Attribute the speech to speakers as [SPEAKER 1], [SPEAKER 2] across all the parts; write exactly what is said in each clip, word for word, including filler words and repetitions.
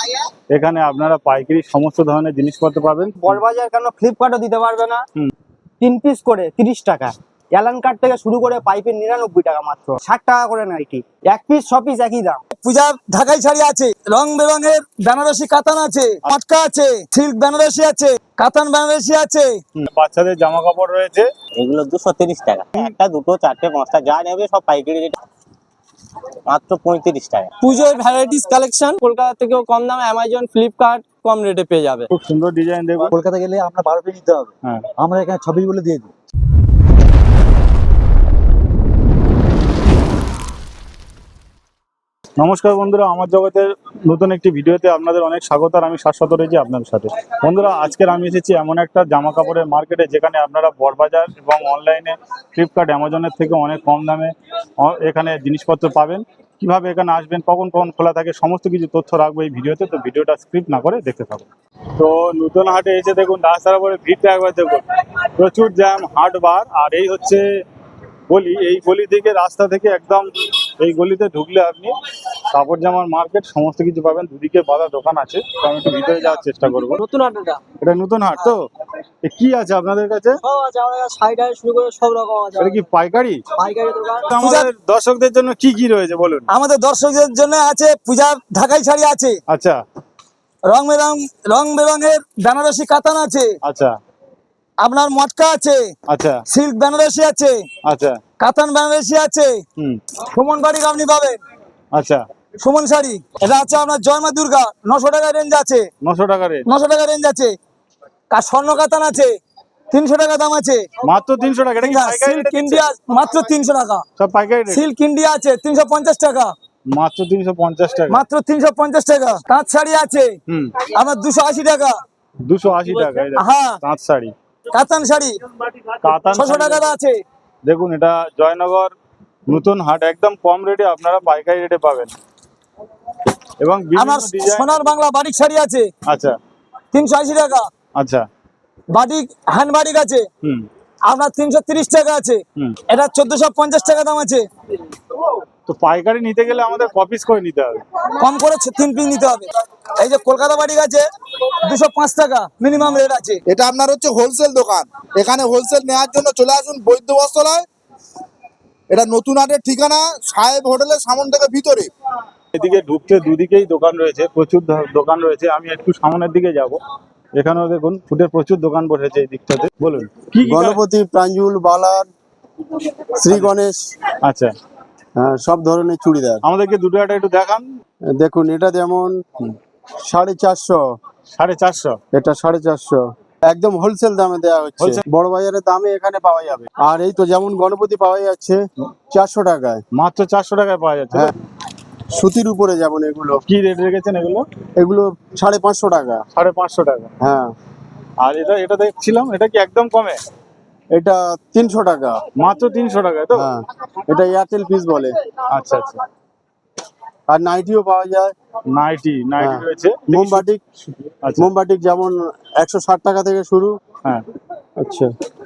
[SPEAKER 1] এখানে আপনারা পাইকারি সমস্ত ধরনের জিনিসপত্র পাবেন।
[SPEAKER 2] বড়বাজার কেন ফ্লিপকার্টও দিতে পারবে না। তিন পিস করে তিরিশ টাকা, অ্যালান কাট থেকে শুরু করে পাইপের নিরানব্বই টাকা, মাত্র ষাট টাকা করে নাইটি। এক পিস ছ পিস একই দাম।
[SPEAKER 3] পূজার ঢাকাই শাড়ি আছে, রং বেরঙের বেনারসি কাতান আছে, মটকা আছে, সিল্ক বেনারসি আছে, কাতান বেনারসি আছে।
[SPEAKER 1] বাচ্চাদের জামা কাপড় রয়েছে,
[SPEAKER 4] এগুলো দুশো তিরিশ টাকা। একটা দুটো চারটে পাঁচটা যা নেবে সব পাইকারি রেট, মাত্র পঁয়ত্রিশ টাকা।
[SPEAKER 2] পুজোর ভ্যারাইটিস কালেকশন কলকাতা থেকেও কম দামে অ্যামাজন ফ্লিপকার্ট কম রেটে পেয়ে যাবে।
[SPEAKER 1] খুব সুন্দর ডিজাইন দেখুন।
[SPEAKER 3] কলকাতা গেলে আমরা বারো পিস নিতে হবে,
[SPEAKER 1] হ্যাঁ
[SPEAKER 3] আমরা এখানে ছবিস বলে দিয়ে দিই।
[SPEAKER 1] নমস্কার বন্ধুরা, আমার জগতের নতুন একটি ভিডিওতে আপনাদের অনেক স্বাগত। আর আমি শাশ্বত রয়েছি আপনাদের সাথে। বন্ধুরা, আজকের আমি এসেছি এমন একটা জামা কাপড়ের মার্কেটে যেখানে আপনারা বড়বাজার এবং অনলাইনে ফ্লিপকার্ট অ্যামাজনের থেকে অনেক কম দামে অ- এখানে জিনিসপত্র পাবেন। কিভাবে এখানে আসবেন, কখন কখন খোলা থাকে, সমস্ত কিছু তথ্য রাখবো এই ভিডিওতে। তো ভিডিওটা স্ক্রিপ্ট না করে দেখতে থাকুন। তো নতুন হাটে এসে দেখুন রাস্তার উপরে ভিড়টা একবার দেখুন, প্রচুর জ্যাম, হাট বার। আর এই হচ্ছে গলি, এই গলি থেকে রাস্তা থেকে একদম এই গলিতে ঢুকলে আপনি কাপড় জামার মার্কেট সমস্ত কিছু পাবেন। দুদিকে বাঁধা দোকান আছে, তো আমি একটু ভিতরে যাওয়ার চেষ্টা করবো।
[SPEAKER 2] নতুন আড্ডাটা
[SPEAKER 1] এটা নতুন হাট তো? এ কি আছে আপনাদের কাছে?
[SPEAKER 2] সব আছে, আমাদের কাছে শাড়ি টাড়ি শুরু করে সব রকম আছে।
[SPEAKER 1] এটা কি পাইকারি?
[SPEAKER 2] পাইকারি দোকান।
[SPEAKER 1] তো আমাদের দর্শকদের জন্য কি কি রয়েছে বলুন।
[SPEAKER 3] আমাদের দর্শকদের জন্য আছে পূজার ঢাকাই শাড়ি আছে,
[SPEAKER 1] আচ্ছা
[SPEAKER 3] রং বেরং রং বেরঙের বেনারসি কাতান আছে,
[SPEAKER 1] আচ্ছা
[SPEAKER 3] আপনার মটকা আছে,
[SPEAKER 1] আচ্ছা
[SPEAKER 3] সিল্ক বেনারসি আছে,
[SPEAKER 1] আচ্ছা
[SPEAKER 3] কাতান বেনারসি আছে।
[SPEAKER 1] হুম
[SPEAKER 3] সুমন বাড়ির আপনি পাবেন,
[SPEAKER 1] আচ্ছা
[SPEAKER 3] সুমন শাড়ি। এটা আছে আপনার জয় মা দুর্গা, নশো টাকা রেঞ্জ আছে,
[SPEAKER 1] নশো টাকা রেট,
[SPEAKER 3] নশো টাকা রেঞ্জ আছে। আর স্বর্ণ কাতান আছে, তিনশো টাকা দাম আছে।
[SPEAKER 1] মাত্র তিনশো টাকা। এটা কি পাইকারি
[SPEAKER 3] সিল্ক
[SPEAKER 1] রেটে দিচ্ছে?
[SPEAKER 3] ইন্ডিয়া মাত্র তিনশো টাকা,
[SPEAKER 1] সব পাইকারি রেট,
[SPEAKER 3] সিল্ক ইন্ডিয়া আছে তিনশো পঞ্চাশ টাকা,
[SPEAKER 1] মাত্র তিনশো পঞ্চাশ টাকা।
[SPEAKER 3] মাত্র তিনশো পঞ্চাশ টাকা। তাঁত শাড়ি আছে
[SPEAKER 1] হুম
[SPEAKER 3] আপনার দুশো আশি টাকা।
[SPEAKER 1] দুশো আশি টাকা। এই দেখুন,
[SPEAKER 3] হ্যাঁ,
[SPEAKER 1] তাঁত শাড়ি,
[SPEAKER 3] কাতান শাড়ি
[SPEAKER 1] কাতান
[SPEAKER 3] ছশো
[SPEAKER 1] শাড়ি।
[SPEAKER 3] টাকা আছে।
[SPEAKER 1] দেখুন, এটা জয়নগর নতুন হাট, একদম কম রেটে আপনারা পাইকারি রেটে পাবেন। এবং বিভিন্ন
[SPEAKER 3] আমার
[SPEAKER 1] ডিজাইন।
[SPEAKER 3] সোনার বাংলা বাটিক শাড়ি আছে
[SPEAKER 1] আচ্ছা
[SPEAKER 3] তিনশো আশি টাকা।
[SPEAKER 1] আচ্ছা
[SPEAKER 3] বাটিক হ্যান্ড বাটিক আছে
[SPEAKER 1] হুম
[SPEAKER 3] আপনার তিনশো তিরিশ টাকা আছে।
[SPEAKER 1] হুম
[SPEAKER 3] এটা চোদ্দশো পঞ্চাশ টাকা দাম আছে।
[SPEAKER 1] তো পাইকারি নিতে গেলে আমাদের কপিস করে নিতে হবে।
[SPEAKER 3] কম করে ছ- তিন পিস নিতে হবে। এই যে কলকাতা বাটিক আছে দুশো পাঁচ টাকা মিনিমাম রেট আছে।
[SPEAKER 5] এটা আপনার হচ্ছে হোলসেল দোকান। এখানে হোলসেল নেওয়ার জন্য চলে আসুন বৈদ্য বস্ত্রালয়। এটা নতুন হাটের ঠিকানা সাহেব হোটেলের সামন থেকে ভিতরে।
[SPEAKER 1] এদিকে ঢুকতে দুদিকেই দোকান রয়েছে, প্রচুর ধ- দোকান রয়েছে। আমি একটু সামনের দিকে যাব। এখানেও দেখুন ফুটের প্রচুর দোকান বসেছে এই দিকটাতে। বলুন কি কি
[SPEAKER 6] গণপতি, প্রাঞ্জুল, বালার, শ্রী গণেশ,
[SPEAKER 1] আচ্ছা,
[SPEAKER 6] হ্যাঁ, সব ধরনের চুড়িদার।
[SPEAKER 1] আমাদেরকে দুটো একটা একটু দেখান।
[SPEAKER 6] দেখুন, এটা যেমন সাড়ে চারশো,
[SPEAKER 1] সাড়ে চারশো
[SPEAKER 6] এটা সাড়ে চারশো, একদম হোলসেল দামে দেওয়া হচ্ছে।
[SPEAKER 1] Wholesale?
[SPEAKER 6] বড় বাজারের দামে এখানে পাওয়া যাবে। আর এই তো যেমন গণপতি পাওয়া যাচ্ছে চারশো টাকায়,
[SPEAKER 1] মাত্র চারশো টাকায় পাওয়া যাচ্ছে।
[SPEAKER 6] হ্যাঁ। সুতির উপরে যেমন এগুলো,
[SPEAKER 1] কি রেট রেখেছেন এগুলো?
[SPEAKER 6] এগুলো সাড়ে পাঁচশো টাকা।
[SPEAKER 1] সাড়ে পাঁচশো টাকা।
[SPEAKER 6] হ্যাঁ,
[SPEAKER 1] আর এটা এটা দেখছিলাম, এটা কি একদম কমে?
[SPEAKER 6] এটা তিনশো টাকা।
[SPEAKER 1] মাত্র তিনশো টাকায় তো?
[SPEAKER 6] হ্যাঁ, এটা এয়ারটেল পিস বলে।
[SPEAKER 1] আচ্ছা আচ্ছা।
[SPEAKER 6] আর নাইটিও পাওয়া যায়।
[SPEAKER 1] নাইটি নাইটি
[SPEAKER 6] হ্যাঁ।
[SPEAKER 1] রয়েছে।
[SPEAKER 6] মোমবাটিক,
[SPEAKER 1] আচ্ছা
[SPEAKER 6] মোমবাটিক যেমন একশো ষাট টাকা থেকে শুরু।
[SPEAKER 1] হ্যাঁ
[SPEAKER 6] আচ্ছা,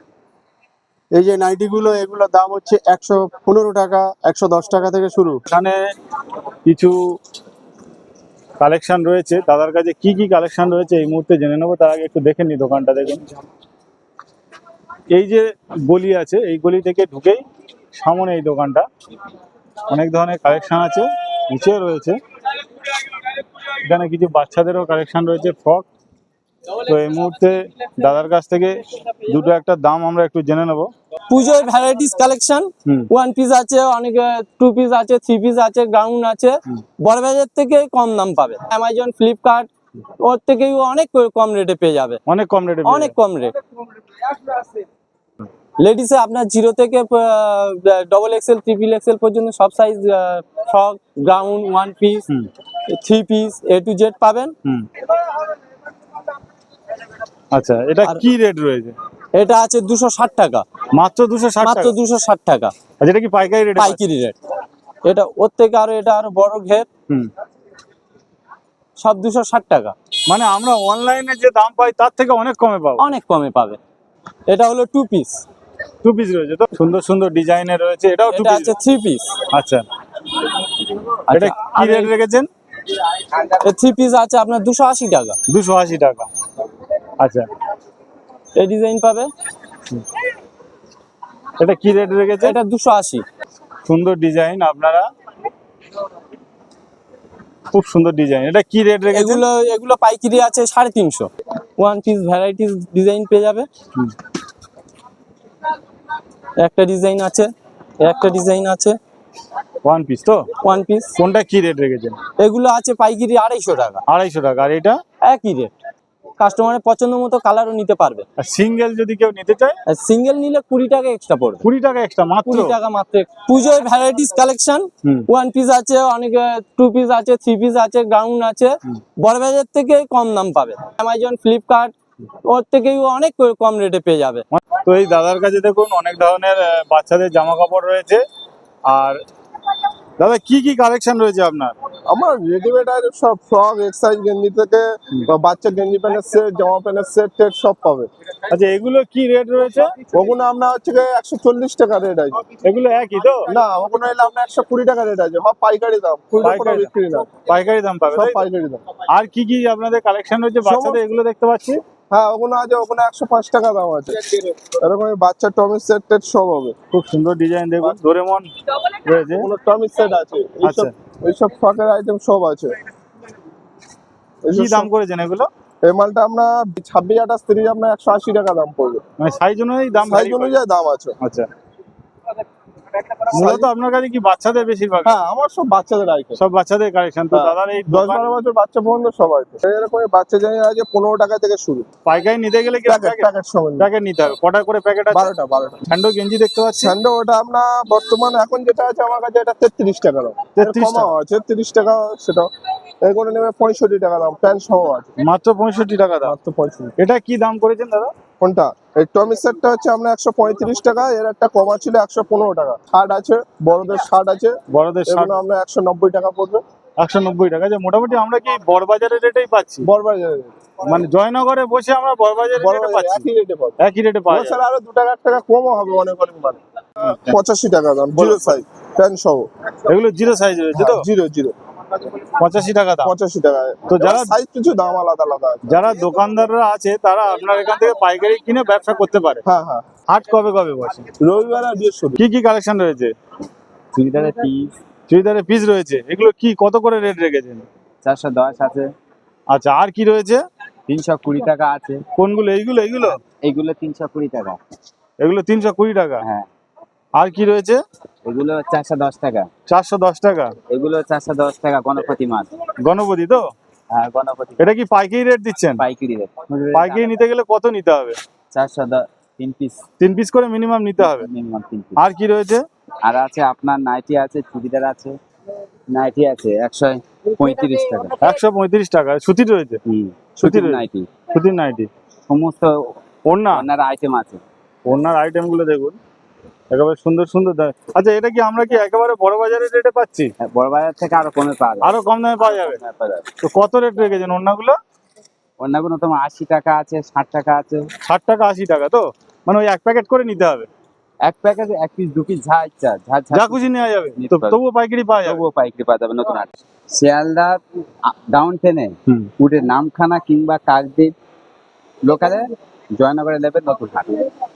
[SPEAKER 6] এই যে নাইটি গুলো, এগুলোর দাম হচ্ছে একশো পনেরো টাকা, একশো দশ টাকা থেকে শুরু।
[SPEAKER 1] এখানে কিছু কালেকশন রয়েছে। দাদার কাছে কি কি কালেকশন রয়েছে এই মুহূর্তে জেনে নেবো। তার আগে একটু দেখে নি দোকানটা। দেখুন, এই যে গলি আছে, এই গলি থেকে ঢুকেই সামনে এই দোকানটা। অনেক ধরনের কালেকশন আছে, নিচেও রয়েছে। এখানে কিছু বাচ্চাদেরও কালেকশন রয়েছে, ফ্রক। তো এই মুহূর্তে দাদার কাছ থেকে দুটো একটা দাম আমরা একটু জেনে নেবো।
[SPEAKER 2] পুজোর ভ্যারাইটিস কালেকশন,
[SPEAKER 1] হুম
[SPEAKER 2] ওয়ান পিস আছে, অনেক টু পিস আছে, থ্রি পিস আছে, গাউন আছে। বড়বাজার থেকে কম দাম পাবে। অ্যামাজন ফ্লিপকার্ট ওর থেকেই অনেক কম রেটে পেয়ে যাবে,
[SPEAKER 1] অনেক কম রেটে
[SPEAKER 2] অনেক কম রেট। লেডিসে আপনার জিরো থেকে ডবল এক্সেল, ট্রিপল এক্সেল পর্যন্ত সব size frock, gown, one piece,
[SPEAKER 1] হুম
[SPEAKER 2] three piece, A to Z পাবেন।
[SPEAKER 1] হুম আচ্ছা, এটা
[SPEAKER 2] আর-
[SPEAKER 1] কি রেট রয়েছে?
[SPEAKER 2] এটা আছে দুশো ষাট টাকা,
[SPEAKER 1] মাত্র দুশো ষাট
[SPEAKER 2] মাত্র
[SPEAKER 1] টাকা।
[SPEAKER 2] দুশো ষাট টাকা
[SPEAKER 1] আচ্ছা, এটা কি পাইকারি রেট?
[SPEAKER 2] পাইকারি রেট। এটা ওর থেকে আরো, এটা আরো বড় ঘের,
[SPEAKER 1] হুম
[SPEAKER 2] সব দুশো ষাট টাকা,
[SPEAKER 1] মানে আমরা অনলাইনে যে দাম পাই তার থেকে অনেক কমে পাবো।
[SPEAKER 2] অনেক কমে পাবে। এটা হলো টু পিস,
[SPEAKER 1] টু পিস রয়েছে তো, সুন্দর সুন্দর ডিজাইনের রয়েছে। এটাও টু
[SPEAKER 2] এটা
[SPEAKER 1] পিস?
[SPEAKER 2] আছে থ্রি পিস।
[SPEAKER 1] আচ্ছা, এটা কি রেট রেখেছেন?
[SPEAKER 7] থ্রি পিস আছে আপনার দুশো আশি টাকা।
[SPEAKER 1] দুশো আশি টাকা। আচ্ছা,
[SPEAKER 7] এই ডিজাইন পাবে,
[SPEAKER 1] এটা কি রেট রেখেছে?
[SPEAKER 7] এটা দুশো আশি।
[SPEAKER 1] সুন্দর ডিজাইন, আপনারা খুব সুন্দর ডিজাইন। এটা কি রেট রেখেছে?
[SPEAKER 7] এগুলো এগুলো পাইকারি আছে সাড়ে তিনশো। ওয়ান পিস ভ্যারাইটিস ডিজাইন পেয়ে যাবে। একটা ডিজাইন আছে, একটা ডিজাইন আছে
[SPEAKER 1] ওয়ান পিস তো?
[SPEAKER 7] One piece.
[SPEAKER 1] কোনটা কি রেট রেখেছেন?
[SPEAKER 7] এগুলো আছে পাইকারি আড়াইশো টাকা।
[SPEAKER 1] আড়াইশো টাকা। আর এটা?
[SPEAKER 7] একই রেট, কাস্টমারের পছন্দ মতো কালারও নিতে পারবে।
[SPEAKER 1] আর সিঙ্গেল যদি কেউ নিতে চায়?
[SPEAKER 7] আর সিঙ্গেল নিলে কুড়ি টাকা এক্সট্রা পড়বে।
[SPEAKER 1] কুড়ি টাকা এক্সট্রা মাত্র?
[SPEAKER 7] কুড়ি টাকা মাত্র। পুজোর ভ্যারাইটিস কালেকশন, ওয়ান পিস আছে, অনেক টু পিস আছে, থ্রি পিস আছে, গাউন আছে। বড় বাজার থেকে কম দাম পাবে। অ্যামাজন, ফ্লিপকার্ট ওর থেকেও অনেক কম রেটে পেয়ে যাবে।
[SPEAKER 1] তো এই দাদার কাছে দেখুন অনেক ধরনের আহ, বাচ্চাদের জামা কাপড় রয়েছে। আর দাদা কি কি কালেকশন রয়েছে আপনার?
[SPEAKER 8] আমার রেডিমেড আছে সব, ফ্রক, এক্সারসাইজ গেঞ্জি থেকে বা বাচ্চা গেঞ্জি প্যান্টের সেট, জামা প্যান্টের সেট টেট সব পাবে।
[SPEAKER 1] আচ্ছা, এগুলো কি রেট রয়েছে?
[SPEAKER 8] ওগুলো আপনার হচ্ছে একশো চল্লিশ টাকা রেট আছে।
[SPEAKER 1] এগুলো একই তো?
[SPEAKER 8] না, ওগুলো এলে আপনার একশো কুড়ি টাকা রেট আছে। সব পাইকারি দাম, খুচরো কোনো
[SPEAKER 1] পাইকারি
[SPEAKER 8] বিক্রি না,
[SPEAKER 1] পাইকারি দাম পাবে
[SPEAKER 8] সব
[SPEAKER 1] তাই তো?
[SPEAKER 8] পাইকারি দাম।
[SPEAKER 1] আর কি কি আপনাদের কালেকশন রয়েছে বাচ্চাদের? এগুলো দেখতে পাচ্ছি।
[SPEAKER 8] হ্যাঁ, ওগুলো আছে, ওখানে একশো পাঁচ টাকা দাম আছে। এরকম বাচ্চা টমির সেট টেট সব হবে।
[SPEAKER 1] খুব সুন্দর ডিজাইন দেখুন, ডোরেমন রয়েছে।
[SPEAKER 8] ওগুলো টমির সেট আছে, এইসব
[SPEAKER 1] আচ্ছা।
[SPEAKER 8] এইসব ফ্রকের আইটেম সব আছে।
[SPEAKER 1] কি দাম করেছেন এগুলো?
[SPEAKER 8] এই মালটা আপনার ছাব্বিশ আঠাশ তিরিশ আপনার একশো আশি টাকা দাম পড়বে।
[SPEAKER 1] মানে সাইজ অনুযায়ী দাম
[SPEAKER 8] সাইজ
[SPEAKER 1] vary করে?
[SPEAKER 8] অনুযায়ী দাম আছে।
[SPEAKER 1] আচ্ছা, মূলত আপনার কাছে কি বাচ্চাদের বেশিরভাগ?
[SPEAKER 8] হ্যাঁ, আমার সব বাচ্চাদের আইটেম,
[SPEAKER 1] সব বাচ্চাদের কালেকশন তো?
[SPEAKER 8] হ্যাঁ।
[SPEAKER 1] দাদার এই
[SPEAKER 8] দশ
[SPEAKER 1] দোকান
[SPEAKER 8] বারো বছর বাচ্চা পর্যন্ত সবাই এরকম বাচ্চা জানি আছে পনেরো টাকা থেকে শুরু।
[SPEAKER 1] পাইকারি নিতে গেলে কি
[SPEAKER 8] প্যাকেট প্যাকেট সমেত
[SPEAKER 1] প্যাকেট নিতে হবে? কটা করে প্যাকেট আছে?
[SPEAKER 8] বারোটা বারোটা
[SPEAKER 1] স্যান্ডো গেঞ্জি দেখতে পাচ্ছি।
[SPEAKER 8] স্যান্ডো ওটা আপনার বর্তমান এখন যেটা আছে আমার কাছে এটা তেত্রিশ টাকা দাম।
[SPEAKER 1] তেত্রিশ টাকা?
[SPEAKER 8] কমাও আছে তিরিশ টাকা, সেটা এগুলো নেবে পঁয়ষট্টি টাকা দাম, প্যান্ট সহ আছে
[SPEAKER 1] মাত্র পঁয়ষট্টি টাকা দাম?
[SPEAKER 8] মাত্র পঁয়ষট্টি।
[SPEAKER 1] এটা কি দাম করেছেন দাদা?
[SPEAKER 8] কোনটা? এই টমি সেটটা হচ্ছে আপনার একশো পঁয়ত্রিশ টাকা, এর একটা কমা ছিল একশো পনেরো টাকা। শার্ট আছে, বড়দের শার্ট আছে,
[SPEAKER 1] বড়দের শার্ট
[SPEAKER 8] এগুলো আপনার একশো নব্বই টাকা পড়বে।
[SPEAKER 1] একশো নব্বই টাকা। যে মোটামুটি আমরা কি বড়বাজারের রেটেই পাচ্ছি?
[SPEAKER 8] বড়বাজারে
[SPEAKER 1] মানে জয়নগরে বসে আমরা বড়বাজারের রেটে
[SPEAKER 8] বড়বাজারে
[SPEAKER 1] পাচ্ছি?
[SPEAKER 8] একই রেটে পাবে।
[SPEAKER 1] একই রেটে পাওয়া যায়।
[SPEAKER 8] বছর আরো দু টাকা এক টাকা কমও হবে অনেক অনেক মানে। পঁচাশি টাকা দাম, জিরো সাইজ প্যান্ট সহ।
[SPEAKER 1] এগুলো জিরো সাইজ রয়েছে তো?
[SPEAKER 8] জিরো জিরো
[SPEAKER 1] পঁচাশি টাকা দাম।
[SPEAKER 8] পঁচাশি টাকা।
[SPEAKER 1] তো যারা
[SPEAKER 8] সাইজ কিছু দাম আলাদা আলাদা আছে।
[SPEAKER 1] যারা দোকানদাররা আছে তারা আপনার এখান থেকে পাইকারি কিনে ব্যবসা করতে পারে।
[SPEAKER 8] হ্যাঁ হ্যাঁ,
[SPEAKER 1] হাট কবে কবে বসে?
[SPEAKER 8] রবিবার আর বৃহস্পতি।
[SPEAKER 1] কি কি কালেকশন রয়েছে?
[SPEAKER 2] চুড়িদারের পিস
[SPEAKER 1] চুড়িদারের পিস রয়েছে। এগুলো কি কত করে রেট রেখেছেন?
[SPEAKER 2] চারশো দশ আছে,
[SPEAKER 1] আচ্ছা, আর কি রয়েছে?
[SPEAKER 2] তিনশো কুড়ি টাকা আছে।
[SPEAKER 1] কোনগুলো? এইগুলো এইগুলো
[SPEAKER 2] এইগুলো তিনশো কুড়ি টাকা।
[SPEAKER 1] এগুলো তিনশো কুড়ি টাকা।
[SPEAKER 2] হ্যাঁ।
[SPEAKER 1] আর কি রয়েছে?
[SPEAKER 2] এগুলো চারশো দশ টাকা।
[SPEAKER 1] চারশো দশ টাকা।
[SPEAKER 2] এগুলো চারশো দশ টাকা। গণপতি মাছ।
[SPEAKER 1] গণপতি তো?
[SPEAKER 2] হ্যাঁ, গণপতি
[SPEAKER 1] এটা কি পাইকারি রেট দিচ্ছেন?
[SPEAKER 2] পাইকারি রেট।
[SPEAKER 1] পাইকারি নিতে গেলে কত নিতে হবে?
[SPEAKER 2] চারশো দশ, তিন পিস
[SPEAKER 1] তিন পিস করে মিনিমাম নিতে হবে।
[SPEAKER 2] মিনিমাম তিন পিস।
[SPEAKER 1] আর কি রয়েছে?
[SPEAKER 2] আর আছে আপনার নাইটি আছে, চুড়িদার আছে, নাইটি আছে একশো পঁয়ত্রিশ টাকা।
[SPEAKER 1] একশো পঁয়ত্রিশ টাকা। সুতির রয়েছে?
[SPEAKER 2] হুম,
[SPEAKER 1] সুতির
[SPEAKER 2] সুতির
[SPEAKER 1] রয়েছে?
[SPEAKER 2] নাইটি,
[SPEAKER 1] সুতির নাইটি।
[SPEAKER 2] সমস্ত
[SPEAKER 1] ওড়না?
[SPEAKER 2] ওনার আইটেম আছে।
[SPEAKER 1] ওড়নার আইটেম গুলো দেখুন, একেবারে সুন্দর সুন্দর দাম। আচ্ছা, এটা কি আমরা কি একেবারে বড় বাজারের রেটে পাচ্ছি?
[SPEAKER 2] হ্যাঁ, বড় বাজার থেকে আরো কমে পাওয়া যায়।
[SPEAKER 1] আরো কম দামে পাওয়া যাবে?
[SPEAKER 2] হ্যাঁ, পাওয়া যাবে।
[SPEAKER 1] তো কত রেট রেখেছেন ওড়নাগুলো?
[SPEAKER 2] ওনাগুলো তোমার আশি টাকা আছে, ষাট টাকা আছে।
[SPEAKER 1] ষাট টাকা আশি টাকা তো? মানে ওই এক প্যাকেট করে নিতে হবে?
[SPEAKER 2] এক প্যাকেট, এক পিস, দু পিস, যা ইচ্ছা যা
[SPEAKER 1] যা খুশি নেওয়া যাবে
[SPEAKER 2] নিতে
[SPEAKER 1] তো?
[SPEAKER 2] পারবে।
[SPEAKER 1] তবুও পাইকারি পাওয়া যাবে?
[SPEAKER 2] তবুও পাইকারি পাওয়া যাবে। নতুন হাট শিয়ালদা ডাউন ট্রেনে
[SPEAKER 1] হুম।
[SPEAKER 2] উঠে নামখানা কিংবা কাকদ্বীপ লোকালে জয়নগরে নেবে নতুন হাট।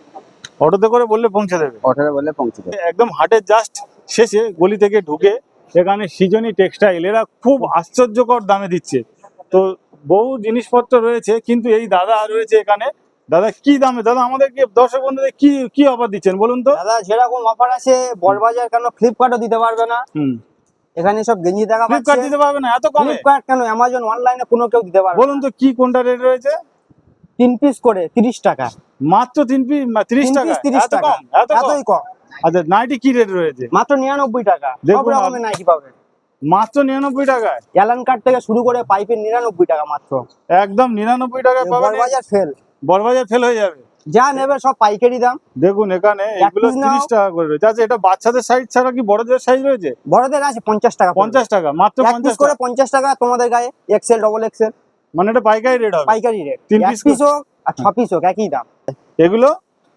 [SPEAKER 1] অটোতে করে বললে পৌঁছে দেবে?
[SPEAKER 2] অটোরে বলে পৌঁছে দেবে।
[SPEAKER 1] একদম হাটের জাস্ট শেষে গলি থেকে ঢুকে এখানে সৃজনী টেক্সটাইল, এরা খুব আশ্চর্যকর দামে দিচ্ছে। তো বহু জিনিসপত্র রয়েছে, কিন্তু এই দাদা রয়েছে এখানে। দাদা কি দামে? দাদা আমাদেরকে দর্শক বন্ধুদের কি কি অফার দিচ্ছেন বলুন তো?
[SPEAKER 2] দাদা যেরকম অফার আছে বড়বাজার কেন ফ্লিপকার্টও দিতে পারবে না।
[SPEAKER 1] হুম।
[SPEAKER 2] এখানে সব গেঞ্জি দেখা
[SPEAKER 1] ফ্লিপকার্ট
[SPEAKER 2] পাচ্ছে।
[SPEAKER 1] দিতে পারবে না এত কমে?
[SPEAKER 2] ফ্লিপকার্ট কেন, অ্যামাজন, অনলাইনে কোনো কেউ দিতে পারবে না।
[SPEAKER 1] বলুন তো কি কোনটা রেট রয়েছে?
[SPEAKER 2] তিন পিস করে তিরিশ টাকা।
[SPEAKER 1] মাত্র তিন পিস তিরিশ
[SPEAKER 2] তিন
[SPEAKER 1] টাকা?
[SPEAKER 2] পিস তিরিশ
[SPEAKER 1] এত
[SPEAKER 2] টাকা,
[SPEAKER 1] কম? এত কম?
[SPEAKER 2] এতই কম।
[SPEAKER 1] আচ্ছা, নাইটি কি রেট রয়েছে?
[SPEAKER 2] মাত্র নিরানব্বই টাকা। সব
[SPEAKER 1] দেখুন
[SPEAKER 2] রকমের নাইটি পাবে।
[SPEAKER 1] মাত্র নিরানব্বই টাকায়?
[SPEAKER 2] অ্যালান কার্ড থেকে শুরু করে পাইপের নিরানব্বই টাকা মাত্র।
[SPEAKER 1] একদম নিরানব্বই টাকায় পাবেন?
[SPEAKER 2] বড়বাজার ফেল।
[SPEAKER 1] বড়বাজার ফেল হয়ে যাবে।
[SPEAKER 2] যা নেবে সব পাইকারি দাম।
[SPEAKER 1] দেখুন এখানে এগুলো
[SPEAKER 2] piece নাও।
[SPEAKER 1] তিরিশ টাকা করে রয়েছে। আচ্ছা, এটা বাচ্চাদের সাইজ ছাড়া কি বড়দের সাইজ রয়েছে?
[SPEAKER 2] বড়দের আছে পঞ্চাশ টাকা।
[SPEAKER 1] পঞ্চাশ টাকা? মাত্র
[SPEAKER 2] এক
[SPEAKER 1] পঞ্চাশ
[SPEAKER 2] পিস করে
[SPEAKER 1] টাকা?
[SPEAKER 2] পঞ্চাশ টাকা। তোমাদের গায়ে এক্সেল, ডবল এক্সেল,
[SPEAKER 1] মানে এটা পাইকারি রেট হবে?
[SPEAKER 2] পাইকারি রেট।
[SPEAKER 1] তিন
[SPEAKER 2] এক
[SPEAKER 1] piece
[SPEAKER 2] পিস হোক আর ছ পিস হোক একই দাম।
[SPEAKER 1] এগুলো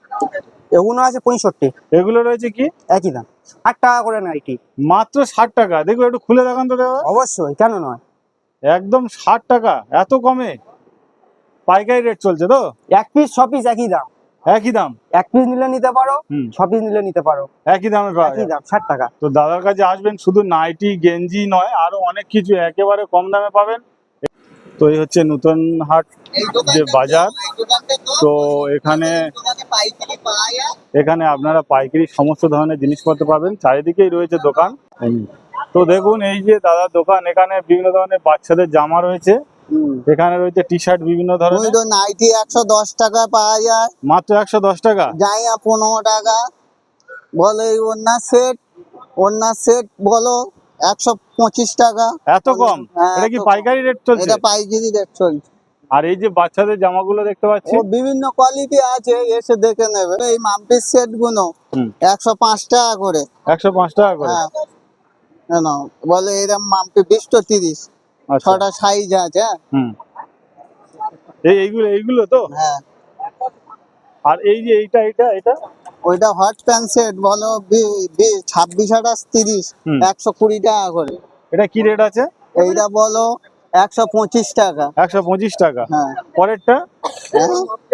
[SPEAKER 2] এগুলো আছে পঁয়ষট্টি।
[SPEAKER 1] এগুলো রয়েছে কি?
[SPEAKER 2] একই দাম, ষাট টাকা করে নাইটি।
[SPEAKER 1] মাত্র ষাট টাকা? দেখো একটু খুলে দেখান তো দাদা।
[SPEAKER 2] অবশ্যই, কেন নয়।
[SPEAKER 1] একদম ষাট টাকা, এত কমে পাইকারি রেট চলছে তো?
[SPEAKER 2] এক পিস ছ পিস একই দাম,
[SPEAKER 1] একই দাম?
[SPEAKER 2] এক পিস নিলে নিতে পারো,
[SPEAKER 1] হুম।
[SPEAKER 2] ছ পিস নিলে নিতে পারো,
[SPEAKER 1] একই দামে পাওয়া
[SPEAKER 2] একই
[SPEAKER 1] যায়।
[SPEAKER 2] দাম ষাট টাকা।
[SPEAKER 1] তো দাদার কাছে আসবেন, শুধু নাইটি গেঞ্জি নয়, আরো অনেক কিছু একেবারে কম দামে পাবেন। তো এই হচ্ছে নতুন হাট যে বাজার, তো এখানে এখানে আপনারা পাইকারি সমস্ত ধরনের জিনিসপত্র পাবেন, চারিদিকেই রয়েছে দোকান। তো দেখুন এই যে দাদার দোকান, এখানে বিভিন্ন ধরনের বাচ্চাদের জামা রয়েছে, এখানে রয়েছে টি শার্ট বিভিন্ন ধরনের,
[SPEAKER 3] নাইটি একশো দশ টাকা পাওয়া যায়,
[SPEAKER 1] মাত্র একশো দশ টাকা।
[SPEAKER 3] জাইয়া পনেরো টাকা, বলো এই ওড়না সেট, ওড়না সেট বলো একশো পঁচিশ টাকা।
[SPEAKER 1] এত কম?
[SPEAKER 3] হ্যাঁ,
[SPEAKER 1] এটা কি
[SPEAKER 3] এত কম।
[SPEAKER 1] পাইকারি রেট চলছে?
[SPEAKER 3] এটা পাইকারি রেট চলছে।
[SPEAKER 1] আর এই যে বাচ্চাদের জামাগুলো দেখতে পাচ্ছি,
[SPEAKER 3] ও বিভিন্ন কোয়ালিটি আছে, এসে দেখে নেবে। এই মাম্পির সেট গুলো
[SPEAKER 1] হুম।
[SPEAKER 3] একশো পাঁচ টাকা করে।
[SPEAKER 1] একশো পাঁচ টাকা করে?
[SPEAKER 3] হ্যাঁ, কেন বলে এরকম মাম্পি বিশ তো তিরিশ,
[SPEAKER 1] আচ্ছা।
[SPEAKER 3] ছটা সাইজ আছে।
[SPEAKER 1] হুম। এই এইগুলো এইগুলো তো?
[SPEAKER 3] হ্যাঁ,
[SPEAKER 1] আর এই যে এইটা এইটা এটা
[SPEAKER 3] ওইটা হট প্যান্ট সেট বলো ছাব্বিশ আঠাশ তিরিশ,
[SPEAKER 1] হুম।
[SPEAKER 3] একশো কুড়ি টাকা করে।
[SPEAKER 1] এটা কি রেট আছে?
[SPEAKER 3] এইটা বলো একশো পঁচিশ টাকা।
[SPEAKER 1] একশো পঁচিশ টাকা।
[SPEAKER 3] হ্যাঁ।
[SPEAKER 1] পরেরটা?
[SPEAKER 3] হ্যাঁ?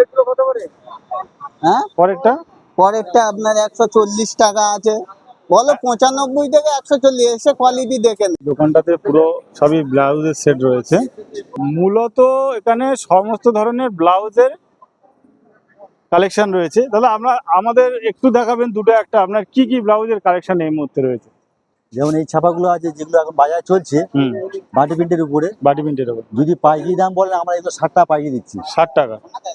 [SPEAKER 3] হ্যাঁ,
[SPEAKER 1] পরেরটা?
[SPEAKER 3] পরেরটা আপনার একশো চল্লিশ টাকা আছে, বলো পঁচানব্বই থেকে একশো চল্লিশ, এসে কোয়ালিটি দেখে নেবে।
[SPEAKER 1] দোকানটাতে পুরো সবই ব্লাউজের সেট রয়েছে, মূলত এখানে সমস্ত ধরনের ব্লাউজের কালেকশন রয়েছে। তাহলে আমরা আমাদের একটু দেখাবেন দুটো একটা, আপনার কি কি ব্লাউজের কালেকশন এই মুহূর্তে রয়েছে?
[SPEAKER 9] যেমন এই ছাপাগুলো আছে যেগুলো এখন বাজার চলছে
[SPEAKER 1] হুম।
[SPEAKER 9] বাটি প্রিন্টের উপরে,
[SPEAKER 1] বাটি প্রিন্টের উপর
[SPEAKER 9] যদি পাইকারি দাম বলেন আমরা এগুলো ষাট টাকা পাইকারি দিচ্ছি।
[SPEAKER 1] ষাট টাকা।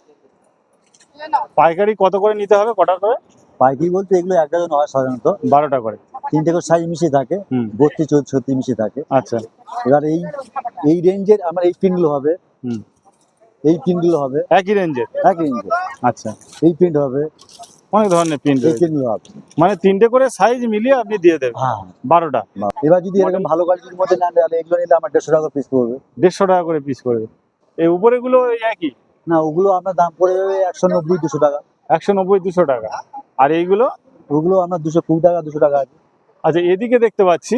[SPEAKER 1] পাইকারি কত করে নিতে হবে, কটা করে?
[SPEAKER 9] পাইকারি বলতে এগুলো এক ডজন হয় সাধারণত
[SPEAKER 1] বারোটা করে।
[SPEAKER 9] তিনটে করে সাইজ মিশিয়ে থাকে,
[SPEAKER 1] হুম।
[SPEAKER 9] বত্রিশ চৌত্রিশ ছত্রিশ মিশিয়ে থাকে।
[SPEAKER 1] আচ্ছা।
[SPEAKER 9] এবার এই এই রেঞ্জের আমার এই প্রিন্টগুলো হবে,
[SPEAKER 1] হুম।
[SPEAKER 9] এই প্রিন্টগুলো হবে
[SPEAKER 1] একই রেঞ্জের?
[SPEAKER 9] এক রেঞ্জের।
[SPEAKER 1] আচ্ছা।
[SPEAKER 9] এই প্রিন্ট হবে,
[SPEAKER 1] অনেক ধরনের প্রিন্ট
[SPEAKER 9] এই
[SPEAKER 1] রয়েছে,
[SPEAKER 9] প্রিন্টগুলো হবে।
[SPEAKER 1] মানে তিনটে করে সাইজ মিলিয়ে আপনি দিয়ে দেবেন?
[SPEAKER 9] হ্যাঁ।
[SPEAKER 1] বারোটা।
[SPEAKER 9] এবার যদি এরকম ভালো কোয়ালিটির মধ্যে নেন তাহলে এগুলো নিলে আমার দেড়শো টাকা পিস পড়বে।
[SPEAKER 1] দেড়শো টাকা করে পিস করবে। এই উপরেগুলো এই একই?
[SPEAKER 9] না, ওগুলো আপনার দাম পড়ে যাবে একশো নব্বই দুশো টাকা।
[SPEAKER 1] একশো নব্বই দুশো টাকা। আর এইগুলো?
[SPEAKER 9] ওগুলো আপনার দুশো কুড়ি টাকা দুশো টাকা আছে।
[SPEAKER 1] আচ্ছা, এদিকে দেখতে পাচ্ছি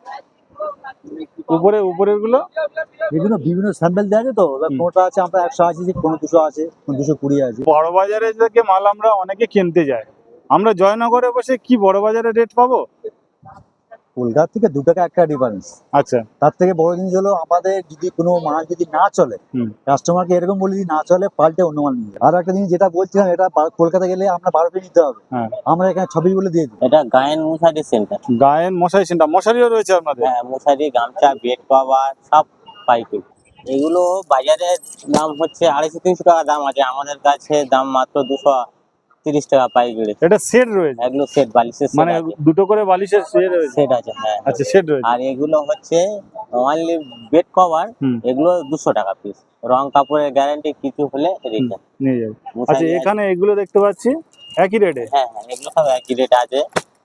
[SPEAKER 1] উপরে উপরের গুলো
[SPEAKER 9] এগুলো বিভিন্ন স্যাম্পল দেওয়া আছে, তো এবার
[SPEAKER 1] হুম।
[SPEAKER 9] কোনটা আছে আমরা একশো আশি, কোনো দুশো আছে, কোনো দুশো কুড়ি আছে।
[SPEAKER 1] বড় বাজারে থেকে মাল আমরা অনেকে কিনতে যাই, আমরা জয়নগরে বসে কি বড় বাজারে রেট পাবো?
[SPEAKER 9] কলকাতা থেকে দু টাকা একটা ডিফারেন্স।
[SPEAKER 1] আচ্ছা।
[SPEAKER 9] তার থেকে বড় জিনিস হলো আমাদের যদি কোনো মাল যদি না চলে,
[SPEAKER 1] হুম।
[SPEAKER 9] কাস্টমারকে এরকম বলে যদি না চলে পাল্টে অন্য মাল নিয়ে যায়। আর একটা জিনিস যেটা বলছিলাম, এটা বা- কলকাতা গেলে আমরা বারো পিস নিতে হবে,
[SPEAKER 1] হ্যাঁ।
[SPEAKER 9] আমরা এখানে ছবিস বলে দিয়ে দিই।
[SPEAKER 4] এটা গায়েন মশারি সেন্টার।
[SPEAKER 1] গায়েন মশারি সেন্টার, মশারিও রয়েছে আপনাদের?
[SPEAKER 4] হ্যাঁ, মশারি, গামছা, বেড কভার সব পাইকারি। এগুলো বাজারে দাম হচ্ছে আড়াইশো তিনশো টাকা দাম আছে, আমাদের কাছে দাম মাত্র দুশো তিরিশ টাকা পাইকারি।
[SPEAKER 1] এটা সেট রয়েছে?
[SPEAKER 4] এগুলো সেট, বালিশের
[SPEAKER 1] মানে দুটো করে বালিশের সেট রয়েছে?
[SPEAKER 4] সেট আছে, হ্যাঁ।
[SPEAKER 1] আচ্ছা, সেট রয়েছে।
[SPEAKER 4] আর এগুলো হচ্ছে অনলি বেড কভার,
[SPEAKER 1] হুম।
[SPEAKER 4] এগুলো দুশো টাকা পিস, রং কাপড়ের গ্যারান্টি, কিছু হলে রিটার্ন।
[SPEAKER 1] নিয়ে যাবে।
[SPEAKER 4] মশারি
[SPEAKER 1] আচ্ছা,
[SPEAKER 4] আছে।
[SPEAKER 1] এখানে এগুলো দেখতে পাচ্ছি একই রেটে?
[SPEAKER 4] হ্যাঁ হ্যাঁ, এগুলো সব একই রেট আছে।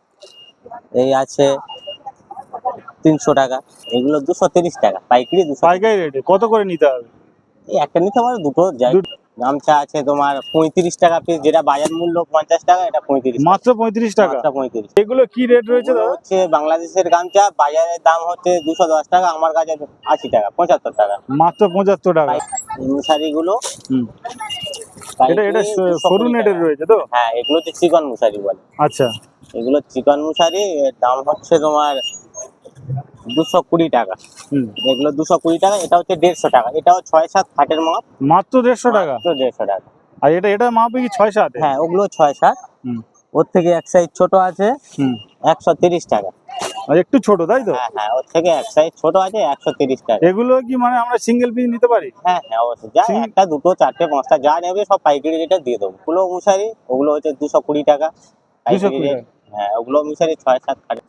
[SPEAKER 4] এই আছে তিনশো টাকা, এগুলো দুশো তিরিশ টাকা পাইকারি। দুশো
[SPEAKER 1] পাইকারি রেটে কত করে নিতে হবে?
[SPEAKER 4] এই একটা নিতে পারো, দুটো যাই। গামছা আছে তোমার পঁয়ত্রিশ টাকা পিস, যেটা বাজার মূল্য পঞ্চাশ টাকা, এটা পঁয়ত্রিশ।
[SPEAKER 1] মাত্র পঁয়ত্রিশ টাকা?
[SPEAKER 4] মাত্র পঁয়ত্রিশ।
[SPEAKER 1] এগুলো কি রেট রয়েছে দাদা?
[SPEAKER 4] হচ্ছে বাংলাদেশের গামছা, বাজারের দাম হচ্ছে দুশো দশ টাকা, আমার কাছে আশি টাকা, পঁচাত্তর টাকা।
[SPEAKER 1] মাত্র পঁচাত্তর টাকা।
[SPEAKER 4] এই মশারি গুলো
[SPEAKER 1] হুম। এটা এটা সরু নেটের রয়েছে তো?
[SPEAKER 4] হ্যাঁ, এগুলো হচ্ছে চিকন মশারি বলে।
[SPEAKER 1] আচ্ছা।
[SPEAKER 4] এগুলো চিকন মশারি, এর দাম হচ্ছে তোমার দুশো কুড়ি টাকা।
[SPEAKER 1] হুম।
[SPEAKER 4] এগুলো দুশো কুড়ি টাকা, এটা হচ্ছে দেড়শো টাকা। এটাও ছয় সাত খাটের মাপ,
[SPEAKER 1] মাত্র দেড়শো টাকা?
[SPEAKER 4] মাত্র দেড়শো টাকা।
[SPEAKER 1] আর এটা এটা মাপে কি ছয় সাত?
[SPEAKER 4] হ্যাঁ, ওগুলো ছয় সাত।
[SPEAKER 1] হুম।
[SPEAKER 4] ওর থেকে এক সাইজ ছোট আছে,
[SPEAKER 1] হুম।
[SPEAKER 4] একশো তিরিশ টাকা।
[SPEAKER 1] আর একটু ছোট, তাই তো?
[SPEAKER 4] হ্যাঁ হ্যাঁ, ওর থেকে এক সাইজ ছোট আছে, একশো তিরিশ টাকা।
[SPEAKER 1] এগুলো কি মানে আমরা সিঙ্গেল পিস নিতে পারি?
[SPEAKER 4] হ্যাঁ হ্যাঁ, অবশ্যই। যা
[SPEAKER 1] সিং-
[SPEAKER 4] একটা দুটো চারটে পাঁচটা যা নেবে সব পাইকারি রেটে দিয়ে দেবো। ওগুলো মশারি, ওগুলো হচ্ছে দুশো কুড়ি টাকা
[SPEAKER 1] দুশো
[SPEAKER 4] পাইকারি
[SPEAKER 1] কুড়ি
[SPEAKER 4] রেট। হ্যাঁ, ওগুলো মশারি ছয় সাত খাটে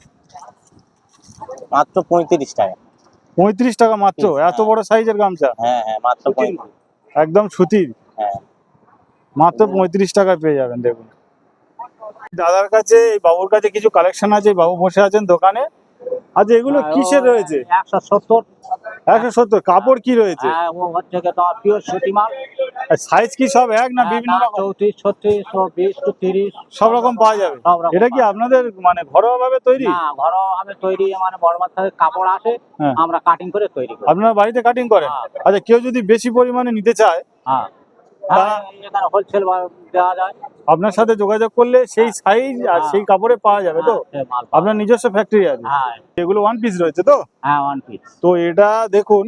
[SPEAKER 4] মাত্র পঁয়ত্রিশ টাকা।
[SPEAKER 1] পঁয়ত্রিশ টাকা মাত্র? এত বড় সাইজের গামছা?
[SPEAKER 4] হ্যাঁ হ্যাঁ, মাত্র পঁয়ত্রিশ।
[SPEAKER 1] একদম সুতির?
[SPEAKER 4] হ্যাঁ।
[SPEAKER 1] মাত্র পঁয়ত্রিশ টাকায় পেয়ে যাবেন। দেখুন দাদার কাছে, এই বাবুর কাছে কিছু কালেকশন আছে, বাবু বসে আছেন দোকানে। আচ্ছা, এগুলো কিসের রয়েছে?
[SPEAKER 9] একশো সত্তর
[SPEAKER 1] একশো সত্তর কাপড় কি রয়েছে?
[SPEAKER 10] হ্যাঁ ও হচ্ছে কি তোমার পিওর সুতি মাল।
[SPEAKER 1] সাইজ কি সব এক না বিভিন্ন রকম?
[SPEAKER 10] চৌত্রিশ ছত্রিশ বিশ টু তিরিশ
[SPEAKER 1] সব রকম পাওয়া যাবে।
[SPEAKER 10] সব রকম
[SPEAKER 1] এটা কি আপনাদের মানে ঘরোয়া ভাবে তৈরি?
[SPEAKER 10] না ঘরোয়া ভাবে তৈরি, মানে বড় মাত্রায় কাপড় আসে,
[SPEAKER 1] হ্যাঁ।
[SPEAKER 10] আমরা কাটিং করে তৈরি করি।
[SPEAKER 1] আপনারা বাড়িতে কাটিং করেন?
[SPEAKER 10] হ্যাঁ।
[SPEAKER 1] আচ্ছা, কেউ যদি বেশি পরিমাণে নিতে চায়
[SPEAKER 10] হ্যাঁ
[SPEAKER 1] তা
[SPEAKER 10] হ্যাঁ, এখানে হোলসেল দেওয়া যায়।
[SPEAKER 1] আপনার সাথে যোগাযোগ করলে সেই সাইজ আর সেই কাপড়ে পাওয়া যাবে তো?
[SPEAKER 10] হ্যাঁ, মাল পাওয়া
[SPEAKER 1] আপনার নিজস্ব ফ্যাক্টরি আছে?
[SPEAKER 10] হ্যাঁ
[SPEAKER 1] এগুলো ওয়ান পিস রয়েছে তো?
[SPEAKER 10] হ্যাঁ ওয়ান পিস।
[SPEAKER 1] তো এটা দেখুন,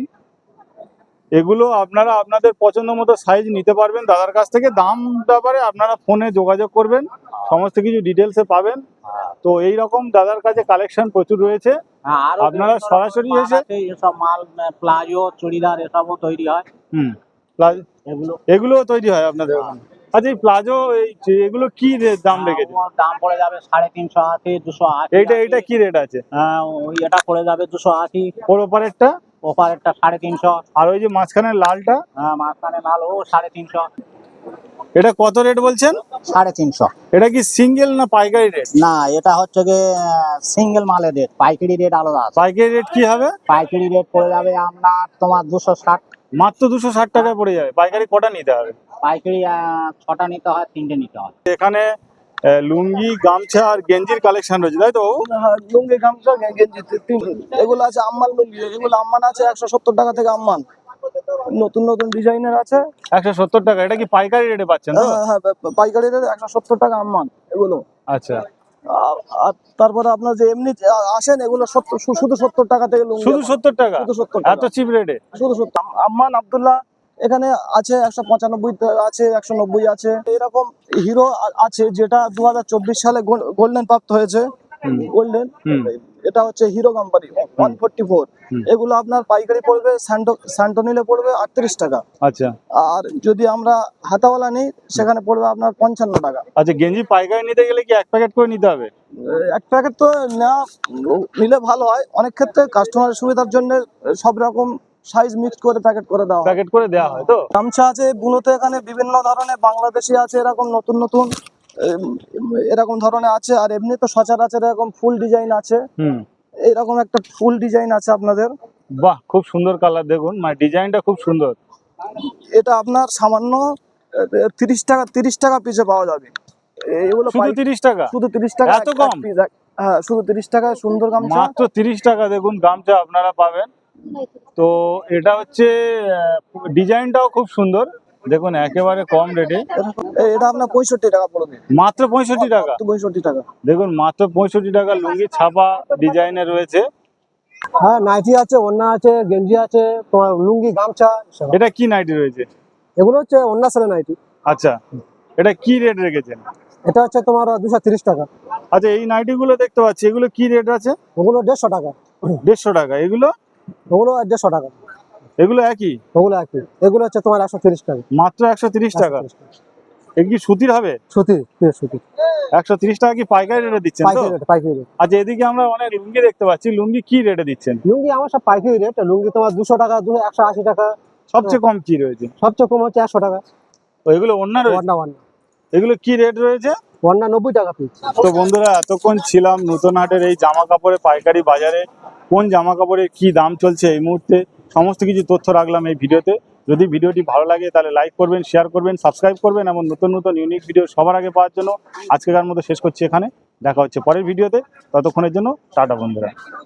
[SPEAKER 1] এগুলো আপনারা আপনাদের পছন্দ মতো সাইজ নিতে পারবেন দাদার কাছ থেকে। দাম ব্যাপারে আপনারা ফোনে যোগাযোগ করবেন, সমস্ত কিছু ডিটেলসে পাবেন। তো এই রকম দাদার কাছে কালেকশন প্রচুর রয়েছে,
[SPEAKER 10] হ্যাঁ আরো
[SPEAKER 1] আপনারা
[SPEAKER 10] বিভিন্ন
[SPEAKER 1] সরাসরি
[SPEAKER 10] রকম মাল
[SPEAKER 1] এসে
[SPEAKER 10] আছে, এসব মাল প্লাজো চুড়িদার এসবও তৈরি হয়
[SPEAKER 1] হুম প্লাজ-
[SPEAKER 10] এগুলো।
[SPEAKER 1] এগুলো তৈরি হয় আপনাদের ওখানে? আচ্ছা, এই প্লাজো এই যে- এগুলো কি রে- দাম রেখেছে?
[SPEAKER 10] ওর দাম পড়ে যাবে সাড়ে তিনশো আশি দুশো আশি।
[SPEAKER 1] এইটা এইটা কি রেট আছে?
[SPEAKER 10] হ্যাঁ ওই এটা পড়ে যাবে দুশো আশি।
[SPEAKER 1] ওর ওপারেরটা?
[SPEAKER 10] ওপারেরটা সাড়ে তিনশো।
[SPEAKER 1] আর ওই যে মাঝখানের লালটা?
[SPEAKER 10] হ্যাঁ মাঝখানে লাল ও সাড়ে তিনশো।
[SPEAKER 1] এটা কত রেট বলছেন?
[SPEAKER 10] সাড়ে তিনশো।
[SPEAKER 1] এটা কি সিঙ্গেল না পাইকারি রেট?
[SPEAKER 10] না এটা হচ্ছে গিয়ে সিঙ্গেল মালের রেট, পাইকারি রেট আলাদা আছে।
[SPEAKER 1] পাইকারি রেট কি হবে?
[SPEAKER 10] পাইকারি রেট পড়ে যাবে আপনার তোমার দুশো ষাট।
[SPEAKER 1] মাত্র দুশো ষাট টাকায় পড়ে যাবে। পাইকারি কটা নিতে হবে?
[SPEAKER 10] পাইকারি আহ, ছটা নিতে হয়, তিনটে নিতে হয়।
[SPEAKER 1] এখানে আহ, লুঙ্গি, গামছা আর গেঞ্জির কালেকশন রয়েছে, তাই তো?
[SPEAKER 3] হ্যাঁ, লুঙ্গি গামছা গে- গেঞ্জি তি- তিন- এগুলো আছে আম্মান লুঙ্গি, এগুলো আম্মান আছে একশো সত্তর টাকা থেকে আম্মান, নতুন নতুন ডিজাইনের আছে।
[SPEAKER 1] একশো সত্তর টাকা। এটা কি পাইকারি রেটে পাচ্ছেন তো?
[SPEAKER 3] হ্যাঁ হ্যাঁ পা- পাইকারি রেটে একশো সত্তর টাকা আম্মান এগুলো।
[SPEAKER 1] আচ্ছা,
[SPEAKER 3] আর আর তারপরে আপনার যে এমনি যে আ- আসেন এগুলো সত্তর শু- শুধু সত্তর টাকা থেকে লুঙ্গি
[SPEAKER 1] শুধু
[SPEAKER 3] আছে।
[SPEAKER 1] সত্তর টাকা?
[SPEAKER 3] শুধু সত্তর টাকা।
[SPEAKER 1] এত চিপ রেটে?
[SPEAKER 3] শুধু সত্তর। আম- আম্মান আব্দুল্লাহ এখানে আছে একশো পঁচানব্বই আছে, একশো নব্বই আছে। এরকম হিরো আ- আছে যেটা দু হাজার চব্বিশ সালে গোল্ডেন প্রাপ্ত হয়েছে, গোল্ডেন।
[SPEAKER 1] হুম।
[SPEAKER 3] এটা হচ্ছে Hero company one forty four.
[SPEAKER 1] হুম।
[SPEAKER 3] এগুলো আপনার পাইকারি পড়বে স্যান্টো স্যান্টো নিলে পড়বে আটত্রিশ টাকা।
[SPEAKER 1] আচ্ছা
[SPEAKER 3] আর যদি আমরা হাতাওয়ালা নিই সেখানে পড়বে আপনার পঞ্চান্ন টাকা।
[SPEAKER 1] আচ্ছা, গেঞ্জি পাইকারি নিতে গেলে কি এক প্যাকেট করে নিতে হবে?
[SPEAKER 3] এক প্যাকেট তো নেওয়া নিলে ভালো হয়, অনেক ক্ষেত্রে কাস্টমারের সুবিধার জন্য সব রকম সাইজ মিক্স করে প্যাকেট করে দেওয়া হয়।
[SPEAKER 1] প্যাকেট করে দেওয়া হয় তো?
[SPEAKER 3] গামছা আছে বুনোতে, এখানে বিভিন্ন ধরনের বাংলাদেশি আছে, এরকম নতুন নতুন এম, এরকম ধরনের আছে। আর এমনি তো সচরাচর এরকম ফুল ডিজাইন আছে,
[SPEAKER 1] হুম।
[SPEAKER 3] এরকম একটা ফুল ডিজাইন আছে আপনাদের।
[SPEAKER 1] বাহ, খুব সুন্দর কালার, দেখুন মানে ডিজাইনটা খুব সুন্দর।
[SPEAKER 3] এটা আপনার সামান্য তিরিশ টাকা তিরিশ টাকা পিছে পাওয়া যাবে এগুলো।
[SPEAKER 1] শুধু
[SPEAKER 3] পাই-
[SPEAKER 1] তিরিশ টাকা?
[SPEAKER 3] শুধু তিরিশ টাকা
[SPEAKER 1] এত
[SPEAKER 3] এক-
[SPEAKER 1] কম?
[SPEAKER 3] এক piece, এক- হ্যাঁ শুধু তিরিশ টাকায় সুন্দর গামছা।
[SPEAKER 1] মাত্র তিরিশ টাকা দেখুন গামছা আপনারা পাবেন। তো এটা হচ্ছে ডিজাইনটাও খুব সুন্দর, দেখুন একেবারে কম রেটে।
[SPEAKER 3] এ- এটা আপনার পঁয়ষট্টি টাকা পড়বে।
[SPEAKER 1] মাত্র পঁয়ষট্টি টাকা?
[SPEAKER 3] পঁয়ষট্টি টাকা।
[SPEAKER 1] দেখুন মাত্র পঁয়ষট্টি টাকা লুঙ্গি ছাপা ডিজাইনে রয়েছে।
[SPEAKER 7] হ্যাঁ নাইটি আছে, ওড়না আছে, গেঞ্জি আছে, তোমার লুঙ্গি, গামছা সব।
[SPEAKER 1] এটা কি নাইটি রয়েছে?
[SPEAKER 7] এগুলো হচ্ছে ওড়না সেলে নাইটি।
[SPEAKER 1] আচ্ছা, এটা কি রেট রেখেছেন?
[SPEAKER 7] এটা হচ্ছে তোমার দুশো তিরিশ টাকা।
[SPEAKER 1] আচ্ছা, এই নাইটি গুলো দেখতে পাচ্ছি, এগুলো কি রেট আছে?
[SPEAKER 7] ওগুলো দেড়শো টাকা।
[SPEAKER 1] দেড়শো টাকা। এগুলো?
[SPEAKER 7] ওগুলো দেড়শো টাকা।
[SPEAKER 1] এগুলো একই?
[SPEAKER 7] ওগুলো একই। এগুলো হচ্ছে তোমার একশো তিরিশ টাকা।
[SPEAKER 1] মাত্র একশো তিরিশ টাকা? এগুলো কি সুতির হবে?
[SPEAKER 7] সুতি, পিওর সুতি।
[SPEAKER 1] একশো তিরিশ টাকা কি পাইকারি রেটে দিচ্ছেন তো?
[SPEAKER 7] পাইকারি রেট, পাইকারি রেট।
[SPEAKER 1] আচ্ছা, এদিকে আমরা অনেক লুঙ্গি দেখতে পাচ্ছি, লুঙ্গি কি রেটে দিচ্ছেন?
[SPEAKER 7] লুঙ্গি আমার সব পাইকারি রেট। লুঙ্গি তোমার দুশো টাকা, দুশো একশো আশি টাকা।
[SPEAKER 1] সবচেয়ে কম কি রয়েছে?
[SPEAKER 7] সবচেয়ে কম হচ্ছে একশো টাকা।
[SPEAKER 1] তো এগুলো অন্য রয়েছে?
[SPEAKER 7] ওড়না ওড়না
[SPEAKER 1] এগুলো কি রেট রয়েছে?
[SPEAKER 7] ওড়না নব্বই টাকা পিস।
[SPEAKER 1] তো বন্ধুরা, এতক্ষণ ছিলাম নতুন হাটের এই জামা কাপড়ের পাইকারি বাজারে। কোন জামা কাপড়ের কি দাম চলছে এই মুহূর্তে সমস্ত কিছু তথ্য রাখলাম এই ভিডিওতে। যদি ভিডিওটি ভালো লাগে তাহলে লাইক করবেন, শেয়ার করবেন, সাবস্ক্রাইব করবেন এবং নতুন নতুন ইউনিক ভিডিও সবার আগে পাওয়ার জন্য আজকের মতো শেষ করছি এখানে। দেখা হচ্ছে পরের ভিডিওতে, ততক্ষণের জন্য টাটা বন্ধুরা।